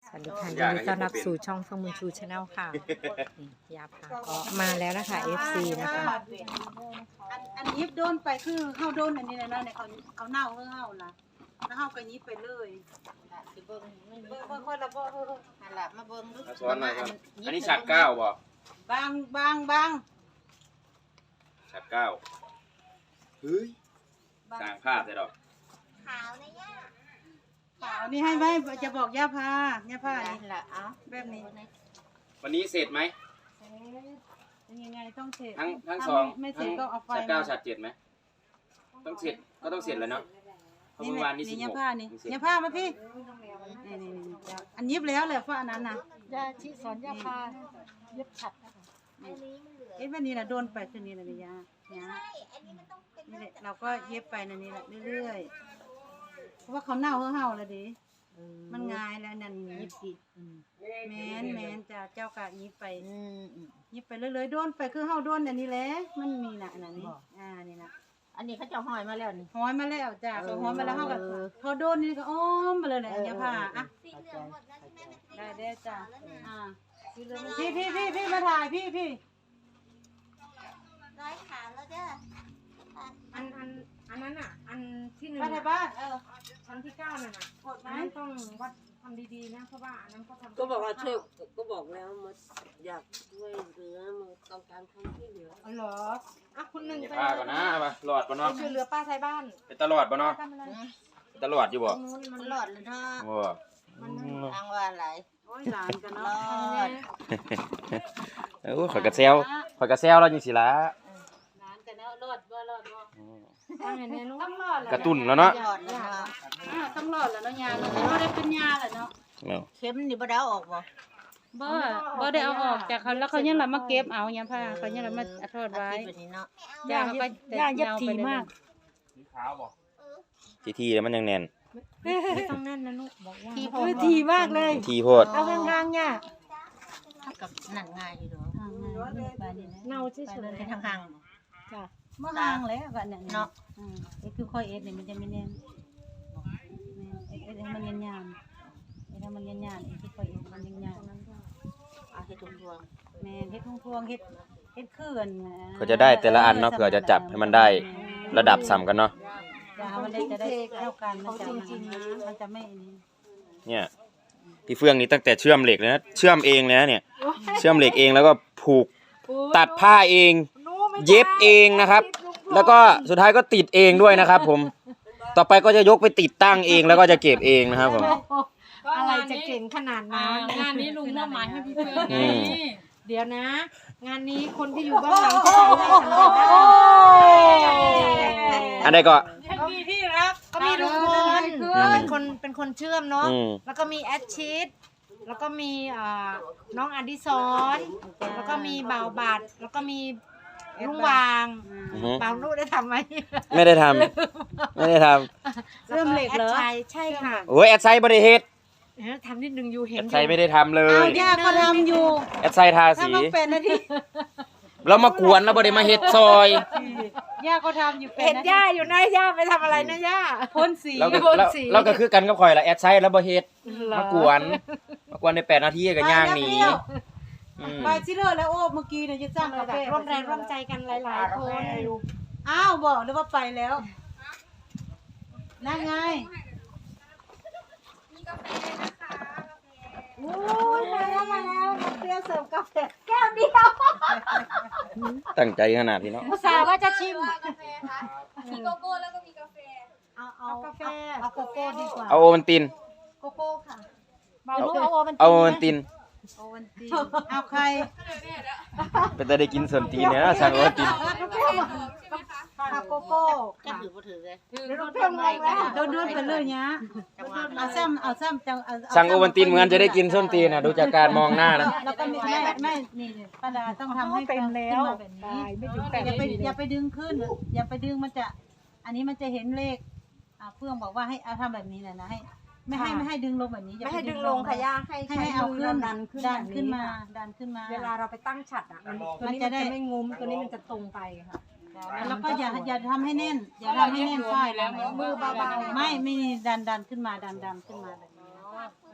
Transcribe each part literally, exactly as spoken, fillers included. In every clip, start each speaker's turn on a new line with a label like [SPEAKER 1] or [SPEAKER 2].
[SPEAKER 1] สวัสดีค่ะยินดีต้อนรับสู่ช่องเฟื่องบุญชูชาแนลค่ะนี่ยาพาก็มาแล้วนะคะ เอฟ ซี นะคะ
[SPEAKER 2] อันอันยิบโดนไปคือเฮาโดนอันนี้นะเนาะเนี่ยเขาเขาเน่าเฮาเฮาล่ะแล้วเฮาก็ยิบไปเลยเบิ่งเบิ่งคนละบ่เออๆนั่นล่ะมาเบิ่งดู
[SPEAKER 3] ซ้อนหน่อยครับอันนี้ฉัดเก้าบ่
[SPEAKER 2] บางบางบาง
[SPEAKER 3] ฉัดเก้าเฮ้ยสร้างภาพเลยดอก
[SPEAKER 2] ขาวนี่ให้ไว้จะบอกย่าพาย่าพานี่
[SPEAKER 4] นี่แหละเอา
[SPEAKER 2] แบบนี้
[SPEAKER 3] วันนี้เสร็จไหม
[SPEAKER 2] เป็นยังไงต้องเสร็จ
[SPEAKER 3] ทั้งทั้ง
[SPEAKER 2] ถ้า
[SPEAKER 3] สอง
[SPEAKER 2] ไม่เสร็
[SPEAKER 3] ทั้
[SPEAKER 2] จ
[SPEAKER 3] ง
[SPEAKER 2] ก็เอาไฟ
[SPEAKER 3] ฉัดเก้าฉัดเจ็ดไหมต้องเสร็จก็ต้องเสร็จแล้วเนาะเพราะ
[SPEAKER 2] นี่
[SPEAKER 3] เมื่อ
[SPEAKER 2] แห
[SPEAKER 3] วา
[SPEAKER 2] ละ
[SPEAKER 3] นนี้สิ
[SPEAKER 2] นี่
[SPEAKER 3] บ
[SPEAKER 2] ย่า
[SPEAKER 3] หก
[SPEAKER 2] พานี่ย่าพามาพี่นี่นี่นี่อันยิบแล้วแหละฟ้าอันนั้นน่ะ
[SPEAKER 1] ยาชีสอนยาพาเย็บฉัดนะคะ
[SPEAKER 2] เอ๊ะแบบนี้น่ะโดนไปคือนี้น่ะนี่ย่าย่านี่แหละเราก็เย็บไปนั่นนี่แหละเรื่อยๆเพราะว่าเขาเน่าเฮาเฮาแล้วดิมันง่ายแล้วนั่นยิบอีกแม่นแม่นจ้าเจ้ากะยิบไป
[SPEAKER 4] อืมอืม
[SPEAKER 2] ยิบไปเรื่อยๆโดนไปคือเฮาโดนอันนี้แหละมันมีน่ะอันนั้นนี่อ่านี่น่ะ
[SPEAKER 4] อันนี้เขาจะห้อยมาแล้วนี่
[SPEAKER 2] ห้อยมาแล้วจ้าพอห้อยมาแล้วเฮาก็พอโดนนี่ก็อ้อมมาเลยแหละอย่าผ่าอ่ะ
[SPEAKER 4] สีเหลืองหมดแล้วใช่ไหม
[SPEAKER 2] ได้ได้จ้าอ่าพี่พี่พี่พี่มาถ่ายพี่พี่
[SPEAKER 4] ร้อยขาแล้วเด้อ
[SPEAKER 1] อันอันอันนั้นอ่ะอันที่หนึ่ง
[SPEAKER 2] มาถ่ายบ้านเออ
[SPEAKER 1] ชั้นที่เก้านั่นน่ะ
[SPEAKER 2] กดไหม
[SPEAKER 1] อันนั้นต้องวัดทำดีๆนะเพราะว่าอันนั้นก็ทำ
[SPEAKER 5] ก็บอกว่าช่วยก็บอกแล้วมันอยากช่วยเหลือมันต้องการคนที่เหลือ
[SPEAKER 1] อ๋อเหรออ่ะคุณหนึ่ง
[SPEAKER 3] อย่า
[SPEAKER 1] ไป
[SPEAKER 3] พาก่อนนะเอามาหลอดบ่
[SPEAKER 1] ไป
[SPEAKER 3] เนาะ
[SPEAKER 1] ช่วยเหลือป้าไทยบ้าน
[SPEAKER 3] เป็นตลอดบ่เนาะ
[SPEAKER 1] ทำอะไร
[SPEAKER 3] เป็นตลอดอยู่บ่
[SPEAKER 1] ตรงนู้นมัน
[SPEAKER 4] มันหลอดเลยเนาะ
[SPEAKER 3] โอ้
[SPEAKER 4] ทางว่าอะไร
[SPEAKER 2] โอ้ยหลานกัน
[SPEAKER 4] หล
[SPEAKER 2] เนาะ
[SPEAKER 4] อด
[SPEAKER 3] เออข่อยกระเซลข่อยกระเซลแล้วจังสิล่ะ
[SPEAKER 2] หลานกันเนาะรอดบ่รอดบ่
[SPEAKER 1] ทำอย่างนี้นู้น
[SPEAKER 2] ต้องรอดแหละ
[SPEAKER 3] กระตุ้นแล้วเนาะ
[SPEAKER 4] หลอดเลยเนาะ
[SPEAKER 2] อ่าต้องรอดแล้วเนาะยาเนาะเราได้เป็นยาแหละเนาะ
[SPEAKER 3] เนาะ
[SPEAKER 4] เข็มนี่บ่ได้เอาออกบ่
[SPEAKER 2] บ่บ่ได้เอาออกจากเขาแล้วเขายังรับมาเก็บเอายาผ้าเขายังรับมาทอด
[SPEAKER 4] อา
[SPEAKER 2] ไว้
[SPEAKER 4] ทิตย์แบบนี้เนาะ
[SPEAKER 2] ยาเขาก็ยาเย็บทีมาก
[SPEAKER 3] สีขาวบ่ทีทีแล้วมันยังแน่น
[SPEAKER 1] ไม่ต้องแน่นนะนุกบอกว่า
[SPEAKER 4] ที่พ
[SPEAKER 2] เออทีมากเลย
[SPEAKER 3] ทีโพด
[SPEAKER 2] เอาห่างๆย่า
[SPEAKER 4] กับนั่นง่ายอยู่เนาะ
[SPEAKER 1] เน่าเฉย
[SPEAKER 4] เป็นทางห่าง
[SPEAKER 2] จ้ะเมื่อห่างแล้วกันเนี่ย
[SPEAKER 4] เนาะ
[SPEAKER 2] อืมไอ้คือค่อยเอ็ดเนี่ยมันจะไม่แน่นเอ็ดเอ็ดให้มันยานๆเอ็ดให้มันยานๆไอ้คือค่อยเอ็ดมันยาน
[SPEAKER 4] เอาให้ทุกดวง
[SPEAKER 2] ๆแม่นเฮ็ดทุ่งพวงเฮ็ดเฮ็ดคืน
[SPEAKER 3] เขาจะได้แต่ละอันเนาะเผื่อจะจับให้มันได้ระดับซ้ำกันเนาะ
[SPEAKER 2] จะมันได้จะได้เท่ากันมันจะจริงๆนะมันจะไม่นี่
[SPEAKER 3] เนี่ยพี่เฟื่องนี่ตั้งแต่เชื่อมเหล็กเลยนะเชื่อมเองเลยนะเนี่ยเชื่อมเหล็กเองแล้วก็ผูกตัดผ้าเอง เย็บเองนะครับ แล้วก็สุดท้ายก็ติดเองด้วยนะครับผมต่อไปก็จะยกไปติดตั้งเองแล้วก็จะเก็บเองนะครับผม
[SPEAKER 1] อะไรจะเก่งขนาดนั้น
[SPEAKER 6] งานนี้ลุงมอบหมายให้พี่เพื่อน
[SPEAKER 3] อืม
[SPEAKER 1] เดี๋ยวนะ งานนี้คนที่อยู่เบื้องหลังจะทำได้สำเร็จได้
[SPEAKER 3] อันใดก็
[SPEAKER 1] ก็มีพี่ครับก็มีลุงพลเป็นคนเป็นคนเชื่อมเนาะ
[SPEAKER 3] อืม
[SPEAKER 1] แล้วก็มีแอดชิดแล้วก็มีอ่าน้องอดิศรแล้วก็มีบ่าวบัตรแล้วก็มีลุงวาง
[SPEAKER 3] อือฮึ
[SPEAKER 1] บ่าวลูกได้ทำไหม
[SPEAKER 3] ไม่ได้ทำไม่ได้ทำ
[SPEAKER 1] เริ่มเหล็กเหรอใช่ค่ะ
[SPEAKER 3] โอ้ยแอดไซด์บริเฮ็ด
[SPEAKER 1] เออทำนิดนึงอยู่เห็
[SPEAKER 3] แอน ดไซด์ไม่ได้ทำเล
[SPEAKER 2] เอา
[SPEAKER 3] ย
[SPEAKER 2] ย่าก็ทำอยู่
[SPEAKER 3] แอดไซด์ทา
[SPEAKER 2] ถ้า
[SPEAKER 3] สี
[SPEAKER 2] มันเป็นนาที
[SPEAKER 3] แล้วมากวนแล้วบริมาเฮ็ดซอย
[SPEAKER 2] ย่าก็ทำอยู่เป็น
[SPEAKER 1] เห็น
[SPEAKER 2] นาที
[SPEAKER 1] ย่าอยู่นะย่าไปทำอะไรนะย่า
[SPEAKER 2] พ่นสี
[SPEAKER 3] แล้วก็
[SPEAKER 1] บน
[SPEAKER 3] แล้ว
[SPEAKER 1] สี
[SPEAKER 3] แล้วก็คือกันกับข่อยละแอดไซด์แล้วบ่เฮ็ด
[SPEAKER 1] เหรอ
[SPEAKER 3] มากวนมากวนในแปดนาทีก็ย่างหนีอืม
[SPEAKER 2] ไปซิเลอร์แล้วโอ้เมื่อกี้เนี่ยจะจ้างกาแฟ
[SPEAKER 1] ร่วมแรงร่วมใจกันหลายๆคน
[SPEAKER 2] อ้าวบอกเลยว่าไปแล้วนั่นไงโอ้ยมาแล้วมาแล้วมาเปรี้ยวเสิร์ฟกาแฟแก้วเดียว
[SPEAKER 3] ตั้งใจขนาดนี้เนาะ
[SPEAKER 1] อุตส่าห์ว่าจะชิม
[SPEAKER 6] กาแฟคะมีโกโก้แล้วก็มีกาแฟ
[SPEAKER 2] เอาเอากาแฟเอาโกโก้ดีกว่า
[SPEAKER 3] เอาโอวัลติน
[SPEAKER 2] โกโก้ค่ะ
[SPEAKER 1] บ่าวลูกเอาโอมัน
[SPEAKER 3] เอาโอวัลติน
[SPEAKER 2] โอวันตีเอาใคร
[SPEAKER 3] เป็นแต่ได้กินส่วนตีนเนี่ยนะสั่งโอวัลติน
[SPEAKER 2] เอาโกโก้
[SPEAKER 4] จะถือบ่ถือเลย
[SPEAKER 1] เดี๋ยวเราเพิ่มเลยแล้ว
[SPEAKER 2] โดนโดนไปเลยเนี้ย
[SPEAKER 4] จังหวะ
[SPEAKER 2] เอาแซมเอาแซมจังเอา
[SPEAKER 3] สั่งโอวัลตินเหมือนจะได้กินส้นตีนนะดูจากการมองหน้านะ
[SPEAKER 2] แล้วก็มีแม่แม่นี่ป้าดาต้องทำให้เต็มแล้วแบบนี้
[SPEAKER 1] ไม่ถึงแปด
[SPEAKER 2] อย่าไป
[SPEAKER 1] นาที
[SPEAKER 2] อย่าไปดึงขึ้น อย่าไปดึงมันจะ อันนี้มันจะเห็นเลขอ่าเฟื่องบอกว่าให้เอาทำแบบนี้แหละนะให้ ไม่ให้ไม่ให้ดึงลงแบบนี้อย่า
[SPEAKER 1] ไม่
[SPEAKER 2] ป
[SPEAKER 1] ให้ดึงลงค่ะย่าให้
[SPEAKER 2] ให้
[SPEAKER 1] ใช้
[SPEAKER 2] ให้เอา
[SPEAKER 1] มื
[SPEAKER 2] ขึ้น
[SPEAKER 1] ดันขึ้น
[SPEAKER 2] ดัน
[SPEAKER 1] แบบ
[SPEAKER 2] ขึ้นมา
[SPEAKER 1] ค่ะ
[SPEAKER 2] ดันขึ้นมา
[SPEAKER 1] เวลาเราไปตั้งฉัดอ่ะมันตัว
[SPEAKER 2] มัน
[SPEAKER 1] นี้
[SPEAKER 2] จะ
[SPEAKER 1] มัน
[SPEAKER 2] ได้
[SPEAKER 1] จะไม่งุ้มตัวนี้มันจะตรงไปค่ะ
[SPEAKER 2] แล้วก็อย่าอย่าทำให้แน่น อย่าทำให้แน่นฝ้ายแล้ว
[SPEAKER 1] มือเบาๆ
[SPEAKER 2] ไม่ไม่ดันดันขึ้นมาดันดันขึ้นมาแบบนี้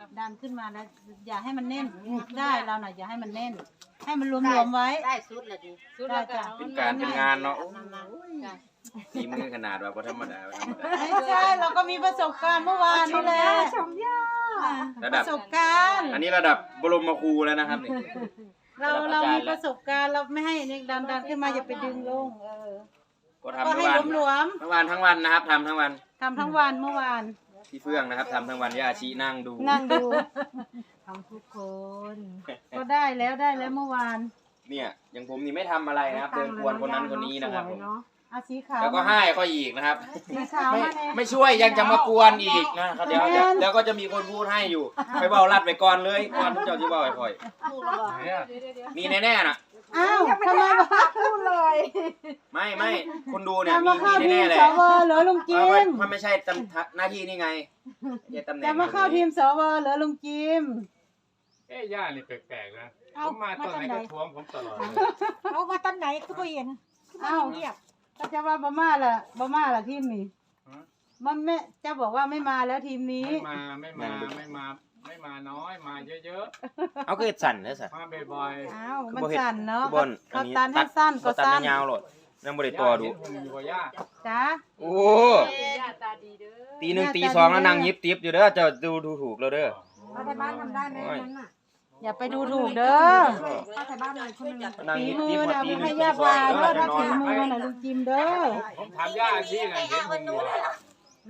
[SPEAKER 2] ดันขึ้นมาแล้ว อย่าให้มันแน่นได้เราหน่อยอย่าให้มันแน่น ให้มันรวมๆไว้
[SPEAKER 4] ได้สุดเลยดิ
[SPEAKER 2] ได้จ้ะ
[SPEAKER 3] เป็นการเป็นงานเนาะ
[SPEAKER 4] นานๆ
[SPEAKER 3] ฝีมือขนาดว่าบ่ธรรมดาบ่ธรรมดา
[SPEAKER 2] ไม่ใช่เราก็มีประสบการณ์เมื่อวานนี่แหละชมย่า
[SPEAKER 3] ระ
[SPEAKER 2] ป
[SPEAKER 3] ดับ
[SPEAKER 2] ระสบการณ์
[SPEAKER 3] อันนี้ระดับบรมครูแล้วนะครับนี่
[SPEAKER 2] เรา
[SPEAKER 3] ระดั
[SPEAKER 2] เรา
[SPEAKER 3] บอาจารย์
[SPEAKER 2] มีประสบการณ์เราไม่ให้เนี่ยดันดันขึ้นมาอย่าไปดึงลงเออ
[SPEAKER 3] ก็ทำ
[SPEAKER 2] ก็
[SPEAKER 3] ทั้
[SPEAKER 2] ให้
[SPEAKER 3] งวัน
[SPEAKER 2] หลวม
[SPEAKER 3] ทั้งวันทั้งวันนะครับทำทั้งวัน
[SPEAKER 2] ๆทำทั้งวันเมื่อวาน
[SPEAKER 3] พี่เฟื่องนะครับทำทั้งวันย่าชีนั่งดู
[SPEAKER 2] นั่งดู
[SPEAKER 1] ทำทุกคน
[SPEAKER 2] ก็ได้แล้วได้แล้วเมื่อวาน
[SPEAKER 3] เนี่ยอย่างผมนี่ไม่ทำอะไรนะครับ เดินกวนคนนั้นคนนี้นะครับผม
[SPEAKER 2] เอาสีขาว
[SPEAKER 3] แล้วก็ให้เขาอีกนะครับ
[SPEAKER 2] สีขาว
[SPEAKER 3] ไม่
[SPEAKER 2] มาเนี่ย
[SPEAKER 3] ไม่ช่วยยังจะมากวนอีกนะครับเดี๋ยวเดี๋ยวเดี๋ยวก็จะมีคนพูดให้อยู่ไปเบาลัดไปก่อนเลยก่อนเจ้าที่เบาไปค่อยมีแน่ๆน่ะ
[SPEAKER 2] อ้าวทำไมวะพูดเลย
[SPEAKER 3] ไม่ไม่คุณดูเนี่ย
[SPEAKER 2] จะ
[SPEAKER 3] มี
[SPEAKER 2] มาเข้า
[SPEAKER 3] มี
[SPEAKER 2] ที
[SPEAKER 3] แน่
[SPEAKER 2] ม
[SPEAKER 3] ๆเลย
[SPEAKER 2] สวเหรอลุงจิ
[SPEAKER 3] เพราะว่าม
[SPEAKER 2] ม
[SPEAKER 3] มันไม่ใช่ตำหน้าที่นี่ไงไม่ใช่ตำแหน่ง
[SPEAKER 2] จะมาเข้าทีมสวเหรอลุงจิม
[SPEAKER 7] เอ้ย่านี่แปลกๆนะ
[SPEAKER 1] เอ้า
[SPEAKER 7] ผมมาตอนไหน
[SPEAKER 1] มาตอนไหน
[SPEAKER 7] ก็ทวงผมตลอดเลย
[SPEAKER 1] เอามาตอนไหนคือบ่เห็น
[SPEAKER 2] อ้าว
[SPEAKER 1] เงียบ
[SPEAKER 2] ก็จะว่าบาม่าล่ะบาม่าล่ะทีมนี้มันไม่จะบอกว่าไม่มาแล้วทีมนี้
[SPEAKER 7] ไม่มาไม่มาไม่มาไม่มาน้อยมาเยอะ
[SPEAKER 3] เอาก็เฮ็ดสั่นเด้อสิ
[SPEAKER 7] ๆมาบ่อย
[SPEAKER 2] อ้าวมันสั่นเนาะ
[SPEAKER 3] บน
[SPEAKER 2] เขาตันให้สั้นก็
[SPEAKER 3] ตัด
[SPEAKER 2] สั้น
[SPEAKER 3] ยาวๆโลดยังบ่ได้
[SPEAKER 7] ๆ
[SPEAKER 3] ตัวดู
[SPEAKER 7] ย่าเห็นหุ่นอยู่บ่ย่า
[SPEAKER 2] จ้า
[SPEAKER 3] โอ้
[SPEAKER 6] ย่าตาดีเด้อ
[SPEAKER 3] ตีหนึ่งตีสองแล้วนั่งยิบติบอยู่เด้อเจะดูดูถูกแล้วเด้อ
[SPEAKER 1] ป้าไทยบ้านทำได้ไหมนั้นน่ะ
[SPEAKER 2] อย่าไปดูถูกเด้อ
[SPEAKER 1] ป้าไทยบ้านเลยคนหนึง
[SPEAKER 3] นั่ง
[SPEAKER 2] ฝี
[SPEAKER 3] ยิบ
[SPEAKER 2] มื
[SPEAKER 3] ติบ
[SPEAKER 2] อ
[SPEAKER 3] พอ
[SPEAKER 2] น่ะ
[SPEAKER 3] ตีหนึ่
[SPEAKER 2] ให้
[SPEAKER 3] งตี
[SPEAKER 2] ย่า
[SPEAKER 3] สอง
[SPEAKER 2] พา
[SPEAKER 3] แล้ว
[SPEAKER 2] เด้อ
[SPEAKER 3] จะ
[SPEAKER 2] ถ้าน
[SPEAKER 3] อ
[SPEAKER 2] ฝี
[SPEAKER 3] น
[SPEAKER 2] มือน่ะลุงจิมเด้อ
[SPEAKER 7] ผมถามย่าที่ไหนเห็นหุ่นอยู่
[SPEAKER 1] ไหน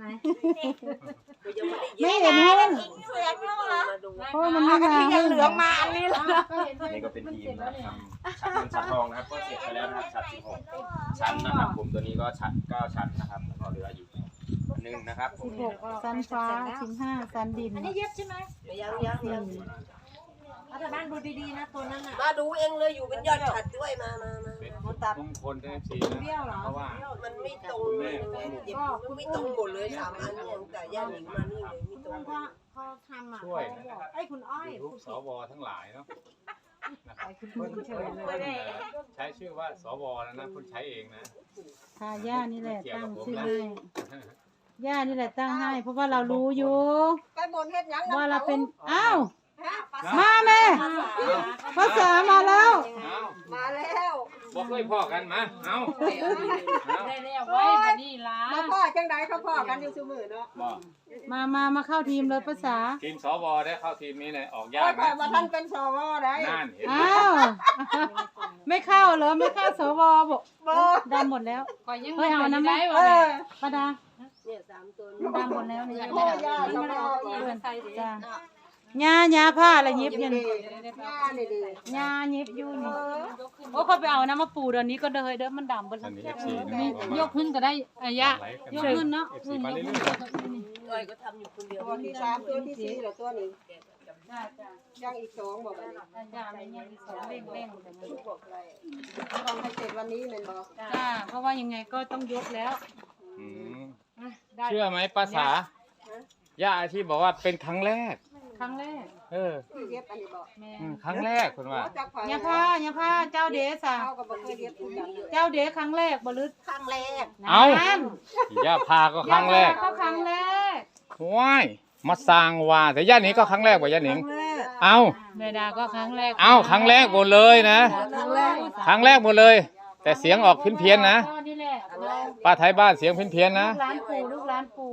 [SPEAKER 2] ไม่เห็นหุ้น
[SPEAKER 5] มาดู
[SPEAKER 2] เพราะว่ามันไม่มาหุ้น
[SPEAKER 1] เหลืองมาอันนี้ละ
[SPEAKER 3] นี่ก็เป็นทีมนะครับทำชัดเงินชัดทองนะครับก็เสร็จไปแล้วนะครับชัดสิบหกชั้นนะครับผมตัวนี้ก็ชัดเก้าชั้นนะครับแล้วก็เหลืออยู่อันหนึงนะครับผม
[SPEAKER 2] สิบหกซันฟ้าสิบห้าซันดิน
[SPEAKER 1] อันนี้เย็บใช่ไหม
[SPEAKER 5] ยังยังยัง
[SPEAKER 1] ป้าไทยบ้านดูดีๆนะตัวนั้นน่ะ
[SPEAKER 5] มาดูเองเลยอยู่เป็นยอดฉัดด้วยมามามา
[SPEAKER 7] เป็นมงคลในสีนะเพราะว่า
[SPEAKER 5] มันไม่ตรงเลยเจ็บมันไม่ตรงหมดเลยสามอันเนี่ยแต่ย่าหนิงมานี่เลยไม่ตรง
[SPEAKER 1] พอพอทำอ่ะ
[SPEAKER 7] ช่วยนะ
[SPEAKER 1] ไอ้คุณอ้อย
[SPEAKER 7] ยูทูบสวทั้งหลายเนาะนะครับ
[SPEAKER 1] คุณคุณเฉยเลย
[SPEAKER 7] ใช้ชื่อว่าสวแล้วนะคุณใช้เองนะ
[SPEAKER 2] ค่ะย่านี่แหละตั้งชื่อให้ย่านี่แหละตั้งให้ เพราะว่าเรารู้อยู่
[SPEAKER 6] ไปบนเฮ็ดหยัง
[SPEAKER 2] ว่าเราเป็นอ้าว
[SPEAKER 6] มา
[SPEAKER 2] มาแม่ภาษามาแล้ว
[SPEAKER 7] เอา
[SPEAKER 6] มาแล้ว
[SPEAKER 7] บอกเลยพ่อกันมาเอาเอา
[SPEAKER 6] ได้แล้วไว้บัดนี้ล่ะมาพ่อจังได๋เขาพ่อกันอยู่ซุมื้อเนาะ
[SPEAKER 7] บอก
[SPEAKER 2] มามามาเข้าทีมเลยภาษา
[SPEAKER 7] ทีมสวได้เข้าทีมนี้เนี่ยออก
[SPEAKER 6] โอ้
[SPEAKER 7] ยาก
[SPEAKER 6] ยข่อ
[SPEAKER 7] นะ
[SPEAKER 6] ยบ่ทันเป็นสวได้
[SPEAKER 7] นั่นเห็นไหม
[SPEAKER 2] อ้าวไม่เข้าเหรอไม่เข้าสวบอก
[SPEAKER 6] บ่
[SPEAKER 2] ดำหมดแล้ว
[SPEAKER 6] ข่อยยัง
[SPEAKER 2] เฮ้ยเอาน้ำ
[SPEAKER 6] ได้
[SPEAKER 2] มา
[SPEAKER 6] เออ
[SPEAKER 2] ปาดา
[SPEAKER 5] เนี่ยสามตัว
[SPEAKER 2] ดำหมดแล้วเนี่ย
[SPEAKER 6] โอ้ยย่าก็บ่เอาอีก
[SPEAKER 2] จ้าหญ้าหญ้าผ้าอะไรยิบอยัน
[SPEAKER 6] ย่านี่ดิ
[SPEAKER 2] หญ้ายิบอยู่นี่โอ้เขาไปเอาน้ำมาปูเดี๋ยวนี้ก็เดยเด้อมันดำเบน
[SPEAKER 7] อันนี้เอฟซีนะ
[SPEAKER 1] ยกขึ้นก็ได้อายะ
[SPEAKER 2] ยกขึ้นเนาะ
[SPEAKER 7] เอฟซีมาเรื่อย
[SPEAKER 5] ก้อยก็ทำอยู่คนเดียว
[SPEAKER 6] ตัวที่สามตัวที่สี่แล้วตัวนี้ยังอีกสองบอกว่านี่
[SPEAKER 2] จ้าไม่ยังอีกสองเร่งเร่งแต่มัน
[SPEAKER 6] บอกอะไรต้องให้เสร็จวันนี้แม่นบ่
[SPEAKER 2] จ้าเพราะว่ายังไงก็ต้องยกแล้ว
[SPEAKER 7] ๆอืม
[SPEAKER 2] ได้
[SPEAKER 7] เชื่อไหมภาษาย่าที่บอกว่าเป็นครั้งแรก
[SPEAKER 2] ครั้งแรก
[SPEAKER 7] เออ
[SPEAKER 6] ที่เย็บอันนี้บ่
[SPEAKER 2] แม่
[SPEAKER 7] อืมครั้งแรกคุณว่า
[SPEAKER 6] จักไผ
[SPEAKER 2] หญ้าผ้าหญ้าผ้าเจ้าเดสอ่ะ
[SPEAKER 6] เขาก็บ่เคยเย็บคือกัน
[SPEAKER 2] เจ้าเดสครั้งแรกบลึษ
[SPEAKER 6] ครั้งแรก
[SPEAKER 7] เอ้า
[SPEAKER 2] นั่น
[SPEAKER 7] ย่าพาก็ครั้งแรก
[SPEAKER 2] ก็ครั้งแรก
[SPEAKER 7] ว้ายมาสร้างว่าแต่ย่าหนิงก็ครั้งแรกว่าย่าหนิง เอ้า
[SPEAKER 2] เมดาก็ครั้งแรก
[SPEAKER 7] เอ้าครั้งแรกหมดเลยนะ
[SPEAKER 6] ครั้งแรก
[SPEAKER 7] ครั้งแรกหมดเลย แต่เสียงออกเพี้ยนๆนะ
[SPEAKER 2] ก็นี่แหละ
[SPEAKER 7] ป้าไทยบ้านเสียงเพี้ยนๆนะ
[SPEAKER 2] ลูกร้านปูลูกร้านปู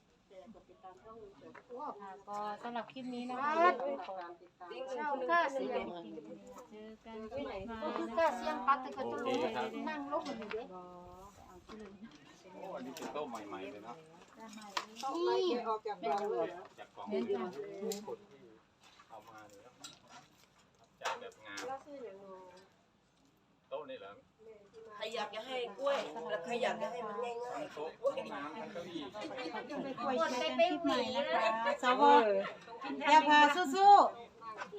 [SPEAKER 2] ก็สำหรับคลิปนี้นะคะเช่าก้าเสียงเจอกันที่ไหนมา
[SPEAKER 1] ก็เสียงปัดแต่ก็จะรู้นั่งลบมันอยู่เด้
[SPEAKER 7] โอ้อันนี้เป็นโต๊ะใหม่ๆเลยเนาะ
[SPEAKER 6] นี่ออกจากบ้านเลย
[SPEAKER 7] จากกล่องเอามาเลยจากแบบงามโต๊ะนี่เหรอ
[SPEAKER 5] ใครอยากจะให้กล้วยแล้วใครอยากจะให้มันง่ายๆ
[SPEAKER 7] โต๊ะน้ำทั้งเก้าอี้
[SPEAKER 2] ไปคุยกันคลิปใหม่นะคะสวอย่าพาสู้
[SPEAKER 7] ดู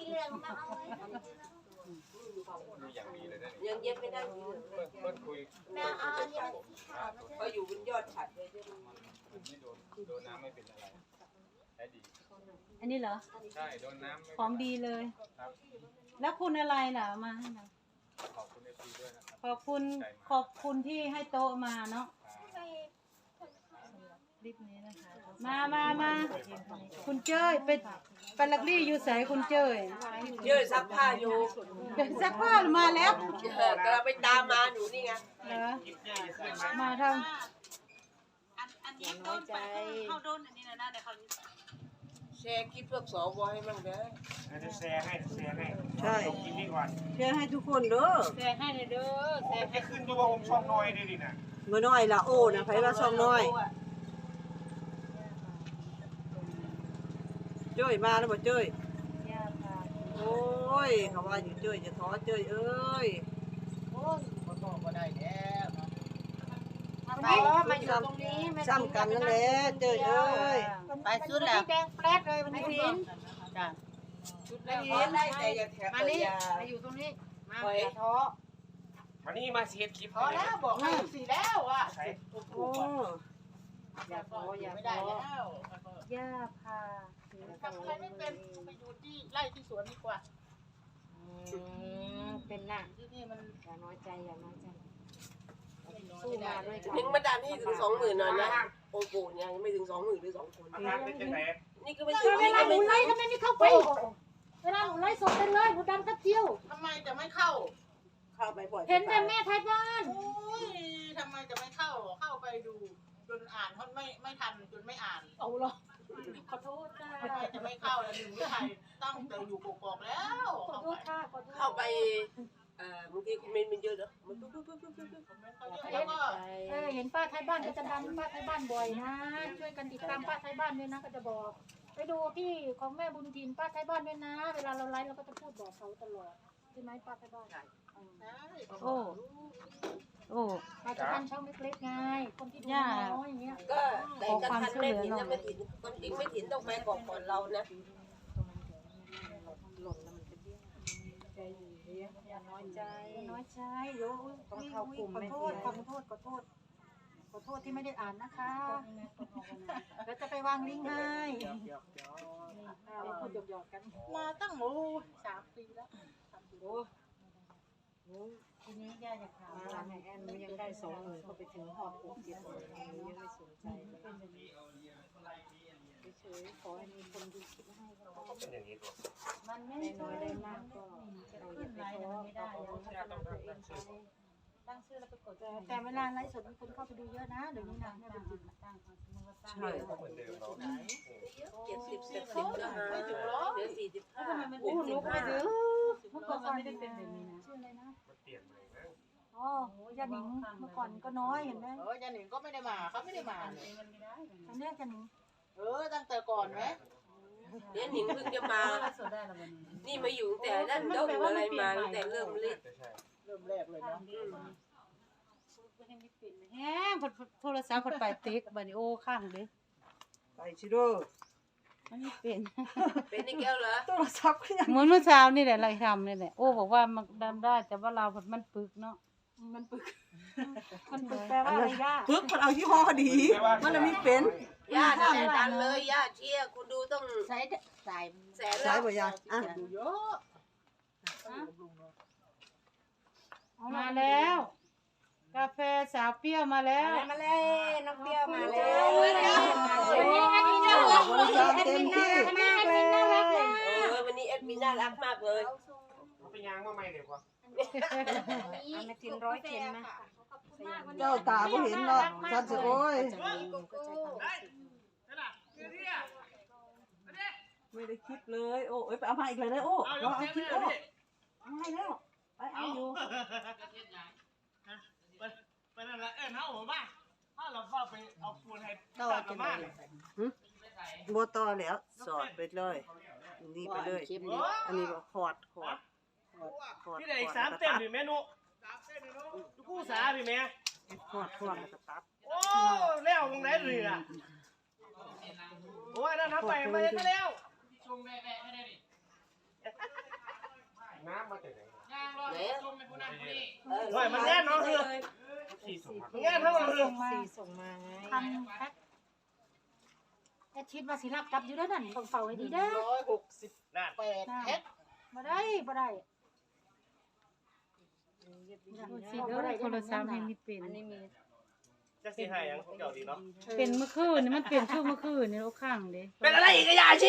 [SPEAKER 7] อย่างดีเลยนะ
[SPEAKER 5] ยังเย็บไม่ได้เลย
[SPEAKER 7] เพื่อนเพื่อนคุยเพื่อนคุยกับผม
[SPEAKER 5] ก็อยู่บนยอดฉัดเลย
[SPEAKER 7] มันไม่โดนโดนน้ำไม่เป็นอะไรได้ดี
[SPEAKER 2] ๆอันนี้เหรอ
[SPEAKER 7] ใช่โดนน้ำไม่
[SPEAKER 2] ของดีเลย
[SPEAKER 7] ครับ
[SPEAKER 2] แล้วคุณอะไรล่ะมาให้หน่อย
[SPEAKER 7] ขอบคุณเอฟซีด้วยนะครับ
[SPEAKER 2] ขอบคุณขอบคุณที่ให้โต๊ะมาเนาะ
[SPEAKER 7] ค
[SPEAKER 1] ลิปนี้นะคะ
[SPEAKER 2] มามามาคุณเจ้ยไปไปลักลี่อยู่ใสคุณเจ้ย
[SPEAKER 5] เยอะซักผ้าอยู่
[SPEAKER 2] เดี๋ยวซักผ้ามาแล้ว
[SPEAKER 5] เออกำลังไปตามมาหนูนี่ไง
[SPEAKER 2] เหรอมาท
[SPEAKER 4] น้อยใจ
[SPEAKER 5] แชร์คลิปพวกสวให้มั่งเด้อ
[SPEAKER 3] จะแชร์ให้แชร์ให้
[SPEAKER 6] ใช่
[SPEAKER 3] กินนี่ก่อน
[SPEAKER 6] แชร์ให้ทุกคนเด้อ
[SPEAKER 1] แชร์ให้เลยเด้อแชร์ให้
[SPEAKER 3] ขึ้นด้วยว่าผมช่องน้อยได้ดินะ
[SPEAKER 6] เมื่อน้อยละโอ้นะไผว่าช่องน้อยเจ้ยมาแล้วบ่เจ้ย
[SPEAKER 1] ย่าพา
[SPEAKER 6] โอ้ยเขาว่าอยู่เจ้ยจะท้อเจ้ยเอ้ย
[SPEAKER 1] ไปมาอยู่ตรงนี้แม่
[SPEAKER 6] ซ้ำกันนั่นแหละเจ้ยเอ้ย
[SPEAKER 1] ไปสุดแล้วแดงแป๊ดเลยวันนี้พิน
[SPEAKER 5] ไม่เห็นได้แต่อย่าแถบ
[SPEAKER 1] มา
[SPEAKER 5] เล
[SPEAKER 1] นี่
[SPEAKER 5] ยอย่า
[SPEAKER 1] มาอยู่ตรงนี้มาอย่าท้อ
[SPEAKER 3] มานี่มาเสียคลิป
[SPEAKER 5] พอแล้วบอกให้สีแล้วอ่ะ
[SPEAKER 3] ใช้
[SPEAKER 6] โอ้
[SPEAKER 1] อย่าท้ออย่า
[SPEAKER 5] ไม่
[SPEAKER 1] ท้
[SPEAKER 5] ได้
[SPEAKER 1] อ
[SPEAKER 5] แล้ว
[SPEAKER 1] ย่าพา
[SPEAKER 5] ทำอะไรไม่เป็นไปอยู่ที่ไร่ที่สวนดีกว่า
[SPEAKER 1] เป็นหน้า
[SPEAKER 5] ที่นี่มัน
[SPEAKER 1] อย่าน้อยใจอย่าน้อยใจสู้มาด้วยกัน
[SPEAKER 5] ถึงมาดันให้ถึงสองหมื่นหน่อยนะโอ้โหยังไม่ถึงสองหมื่นหรือสองคน
[SPEAKER 3] อาการเป็นจังไหน
[SPEAKER 5] นี่ก็ไม่ใช่
[SPEAKER 1] เวลาหนูไล่ทำไมไม่เข้าไปเวลาหนูไล่สดไปเลยหนูดันกระเจียว
[SPEAKER 5] ทำไมจะไม่เข้า
[SPEAKER 6] เข้าไปบ่อย
[SPEAKER 1] เห็นแต่แม่ไทยบ้าน
[SPEAKER 5] โอ้ยทำไมจะไม่เข้า เข้าไปดูจนอ่านเขาไม่ไม่ทันจนไม่อ่าน
[SPEAKER 1] เอาหรอขอโทษค่ะ
[SPEAKER 5] ทำไมจะไม่เข้าแล้วหนึ่งไม่ไทยตั้งแต่อยู่กอกๆแล้ว
[SPEAKER 1] ขอโทษค่ะขอโทษ
[SPEAKER 5] เข้าไปเอ่อบางทีคอมเมนต์มันเยอะเนอะมันปุ๊บปุ๊บปุ๊บปุ๊บปุ๊บคอมเมนต์เขาเยอะแล้วก็
[SPEAKER 1] เออเห็นป้าไทยบ้านก็จะดันป้าไทยบ้านบ่อยนะ ช่วยกันติดตามป้าไทยบ้านด้วยนะก็จะบอก ไปดูพี่ของแม่บุญทินป้าไทยบ้านด้วยนะ เวลาเราไลฟ์เราก็จะพูดบอกเขาตลอดใช่ไหมป้าไทยบ้าน
[SPEAKER 2] โอ้โอ้
[SPEAKER 1] ป้าไทยบ้านช่องเล็กๆไงคนที่ดูน้อยอย่างเงี้ย
[SPEAKER 5] ก็แต่กระทันไม่ถินนะไม่ถินคนจริงไม่ถินต้องไปก่อนก่อนเรานะ
[SPEAKER 1] อย่าน้อยใจน้อยใจโย
[SPEAKER 2] ต้องเข้ากลุ่ม
[SPEAKER 1] ขอ
[SPEAKER 2] ไม่
[SPEAKER 1] โท
[SPEAKER 2] เสี
[SPEAKER 1] ษ
[SPEAKER 2] ย
[SPEAKER 1] ขอโทษขอโทษขอโทษที่ไม่ได้อ่านนะคะแล้วจะไปวางลิงก์ให้พูดหยอกๆกัน
[SPEAKER 5] มาตั้งโอ้สามปีแล้ว
[SPEAKER 1] ทีนี้ย่าอยากถามว่าแม่แอนหนูยังได้สองหมื่นก็ไปถึงหอบหกเจ็ดหมื่นหนูยังไม่สนใจเฉยๆขอให้มีคนดูคลิปให้ก็
[SPEAKER 3] เป็นอย่างนี้ตัว
[SPEAKER 1] มันไม่น้อยได้มากก็เราอย่าไปท้อไม่ได้เราพัฒนาตัวเองไปตั้งชื่อแล้วไปกดแต่เวลาไลฟ์สดมีคนเข้าไปดูเยอะนะเดี๋ยวนี้นะแม่บุญจิตตั้งตั้ง
[SPEAKER 6] ใช่
[SPEAKER 3] เหมือนเดิมเรา
[SPEAKER 5] เจ็ดสิบเจ็ดสิบก็หาไม่ถึงหรอกเหลือสี่สิบห้าหกสิบ
[SPEAKER 1] ไป
[SPEAKER 5] ห้า
[SPEAKER 1] ดูเมื่อก่อนไม่ได้เป็นแบบนี้นะชื่ออะไรนะ
[SPEAKER 3] มันเปลี่ยนใหม่นะ
[SPEAKER 1] อ๋อยาหนิงเมื่อก่อนก็น้อยเห็นไหม
[SPEAKER 5] เออยันหนิงก็ไม่ได้มาเขาไม่ได้มาเลย
[SPEAKER 1] อันนี้ยาหนิง
[SPEAKER 5] เออตั้งแต่ก่อนไหมยันหนิงเพิ่งจะมา นี่มาอยู่แต่นั่นเดกอะไรมาตั้งแต่เริ่มเล่น
[SPEAKER 3] ใช่
[SPEAKER 5] เริ่มแรกเลยนะ
[SPEAKER 2] แฮงโทรศัพท์พดไปติ๊กบัดนี้โอ้ข้างเด้
[SPEAKER 6] ไปชิโร่
[SPEAKER 2] มันไม่เป็น
[SPEAKER 5] เป็นนี่แก้วเหรอ
[SPEAKER 6] โทรศัพท์ก็ยัง
[SPEAKER 2] เหมือนเมื่อเช้านี่แหละเราทำนี่แหละโอ้บอกว่ามันดำได้แต่ว่าเรามันปึกเนาะ
[SPEAKER 1] มันปึกมันปึกแปลว่าอะไรย่า
[SPEAKER 6] ปึ๊กมันเอายี่ห้อดี มันเลยไม่เป็น
[SPEAKER 5] ย่าแสนดันเลยย่าเชียร์คุณดูต้อง
[SPEAKER 1] ใส่ใส่
[SPEAKER 5] แสน
[SPEAKER 6] ใช้
[SPEAKER 5] แล้ว
[SPEAKER 6] บ่ยาอ่ะ
[SPEAKER 5] ดูเยอะ
[SPEAKER 2] มาแล้ว กาแฟสาวเปรี้ยวมาแล้ว
[SPEAKER 1] มาเลยน้องเปรี้ยวมาเลย
[SPEAKER 2] วันนี้แอดมินน่ารัก
[SPEAKER 6] บริการเต็มที่
[SPEAKER 2] วันนี้แอดมินน่ารักนะ
[SPEAKER 5] เออวันนี้แอดมินน่ารักมากเลย
[SPEAKER 3] เขาไปยางมาใหม่เดี๋ยวก่อน
[SPEAKER 1] อันนี้กินร้อยเค็มไหม
[SPEAKER 6] เจ้าตาบ่เห็นเนาะฉันสิโอ้ยไม่ได้คิดเลย โอ้ยไปเอามาอีกเลยเด้อโอ้เราเอาคิดโอ้เอาให้แล้วไปเอาอยู่
[SPEAKER 7] ไปนั่นละเอ้ยเฮาผมว่าถ้าเราเข้าไปเอาปูนให้
[SPEAKER 6] ต่อจังได๋บ่ต่อแล้ว สอดไปเลย นี่ไปเลย อันนี้ก็ขอดขอดขอด
[SPEAKER 7] พี่ได้อีกสามเต้นดิเมนูทุกคู่สาดิแม่
[SPEAKER 6] ขอดขอดแล้วก็ตัด
[SPEAKER 7] โอ้แล้วมึงไหนเลยล่ะโอ้ยนั่นทำไปมาได้แล้วชงแม่แม่ไม่ได้ดิ
[SPEAKER 3] น้ำมาจากไหน
[SPEAKER 7] ย่างรอชงในผู้นั้นผู้นี้
[SPEAKER 5] เออ
[SPEAKER 7] โอ้ยมันแน่นเนาะคือ
[SPEAKER 3] ที่ส่งมา
[SPEAKER 7] มันแน่นเท่ากันเลย
[SPEAKER 1] ส่งมาส่งมาไงทำแพ็คแอดชิดว่าสิรับกลับอยู่แล้วนั่นต้องเฝ้าให้ดีเด้อ
[SPEAKER 5] ร้อยหกสิบ
[SPEAKER 7] นั่น
[SPEAKER 5] แปดแพ็ค
[SPEAKER 1] บ่ได้บ่ได้
[SPEAKER 2] โทรศัพท์ให้ไม่เป็น
[SPEAKER 1] อันนี้มี
[SPEAKER 7] แจะสิให้หยังของเจ้าดีเนาะ
[SPEAKER 2] เป็นเมื่อคืนนี่มันเป็นช่วงเมื่อคืนนี่เราข้างเด้
[SPEAKER 7] เป็นอะไรอีกอะยาชี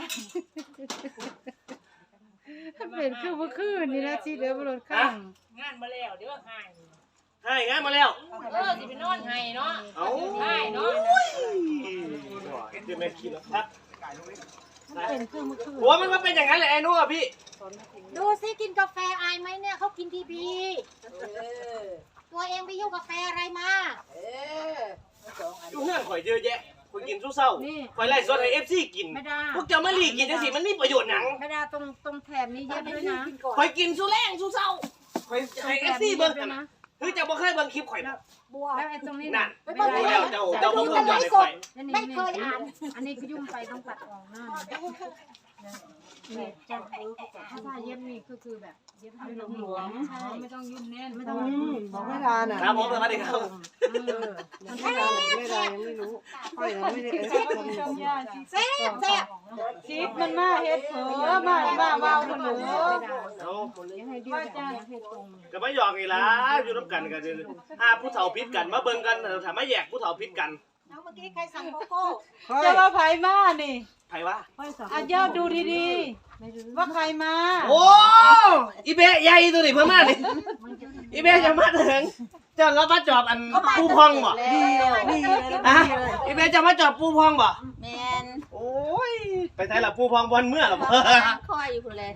[SPEAKER 2] มันเป็นคือเมื่อคืนนี่นะสิเด้อบ่โดนข้าง
[SPEAKER 5] งานมาแล้วเดี๋ยวหาย
[SPEAKER 7] ให้งานมาแล้ว
[SPEAKER 5] เออสิไปนอนให้เนาะ
[SPEAKER 7] เอ้า
[SPEAKER 5] ให้เนาะ
[SPEAKER 7] เดี๋ยวแม่คิดแล้วครับ
[SPEAKER 2] มันเป็นคือเมื่อคืน
[SPEAKER 7] หัวมันก็เป็นอย่างนั้นแหละไอ้นู่นอะพี่
[SPEAKER 1] ดูสิกินกาแฟอายไหมเนี่ยเขากินทีพี
[SPEAKER 5] เออ
[SPEAKER 1] ตัวเองไปยุ่งกาแฟอะไรมา
[SPEAKER 5] เออ
[SPEAKER 7] อยู่เฮือนข่อยเยอะแยะข่อยกินสู้เศร้าข่อยไล่สดให้ เอฟ ซี กิน
[SPEAKER 2] ไม่ได้
[SPEAKER 7] พวกเจ้ามาลีกินจังซี่มันมีประโยชน์หยัง
[SPEAKER 2] ไม่ได้ตรงตรงแถบนี้เย็บด้วยนะ
[SPEAKER 7] ข่อยกินสู้แรงสู้เศร้าข่อยให้ เอฟ ซี เบิ่งกันนะคือเจ้าบ่เคยเบิ่งคลิปข่อยบ่
[SPEAKER 1] บัว
[SPEAKER 2] แล้วไอ้ตรงนี้
[SPEAKER 7] นั่น
[SPEAKER 2] ไม่
[SPEAKER 7] โอ้
[SPEAKER 2] ได้
[SPEAKER 7] แล้วเจ้าเจ้าบ่เบิ่งยอดให้ข่อย
[SPEAKER 1] ไม่เคยอ่าน
[SPEAKER 2] อันนี้ก็ยุ่งไปต้องตัดออกหน้านี่จะถ้าถ้าเย็บนี่ก็คือแบบเย็บให้หลวมๆใช่ไม่ต้องยุ่งแน่นไม่ต้อง
[SPEAKER 6] บอกไม่ได้น่ะ
[SPEAKER 7] ครับผมสวัสดีครับ
[SPEAKER 6] ไม่ได้ไม่ได้ยังไม่รู้ค่อยยังไม่ได้เอฟคน
[SPEAKER 1] แซ่บแซ่บ
[SPEAKER 2] ชิปมันมาเฮ็ดเผลอมาบ้าเบาคนเหลือ
[SPEAKER 7] เอา
[SPEAKER 2] ว่าจ้าเฮ็ดตรง
[SPEAKER 7] ก็มาหยอกนี่ล่ะอยู่นํกันก็คือถ้าผู้เฒ่าผิดกันมาเบิ่งกันถ้ามาแยกผู้เฒ่าผิดกัน
[SPEAKER 1] แล้วเมื่อกี้ใครสั่งโกโก้
[SPEAKER 2] จะว่าไผมานี่
[SPEAKER 7] ไผว่า
[SPEAKER 2] อ่ะเจ้าดูดีๆว่าใครมา
[SPEAKER 7] โอ้อีเบะใหญ่ตัวนี้เพิ่นมานี่อีเบะจะมาถึงเจ้าเรามาจอบอันปูพองบ่
[SPEAKER 6] ดีเลยดีเลย
[SPEAKER 7] ฮะอีเบะจะมาจอบปูพองบ่
[SPEAKER 4] แมน
[SPEAKER 7] โอ้ยไปไสล่ะปูพองบอนเมื่อล่ะบ่
[SPEAKER 4] คอยอยู่คนเลย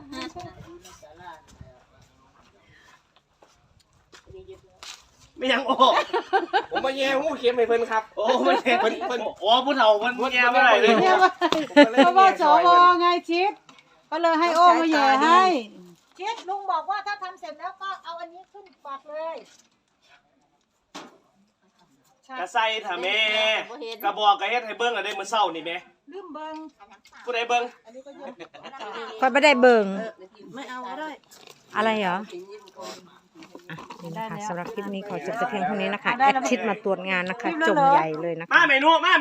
[SPEAKER 7] ไม่ยังโอ้
[SPEAKER 8] ผมมาแย่หูเข็มให้เพิ่นครับ
[SPEAKER 7] โอ้มันเพิ่นเพิ่นโอ้ผู้เฒ่ามันแย่บ่ได้เลย
[SPEAKER 2] เนี่ยว่าเพราะว่าสวไงชิดก็เลยให้โอ้มาแย่ให้
[SPEAKER 1] เช็ดลุงบอกว่าถ้าทำเสร็จแล้วก็เอาอันนี้ขึ้นปากเลย
[SPEAKER 7] กระใส่ถ้าแม่กระบอกกระเฮ็ดให้เบิ่งอะได้มื้อเช้านี่แม่
[SPEAKER 1] ลืมเบิง
[SPEAKER 7] ผู้ใดเบิ่ง
[SPEAKER 9] ค่อยไม่ได้เบิ่ง
[SPEAKER 6] ไม่เอาก็ได้
[SPEAKER 9] อะไรเหรออ่ะนี่นะคะสำหรับคลิปนี้ขอจบแต่เพียงเท่านี้นะคะแอดชิดมาตรวจงานนะคะ จงใหญ่เลยนะคะ
[SPEAKER 7] มาเมนูมา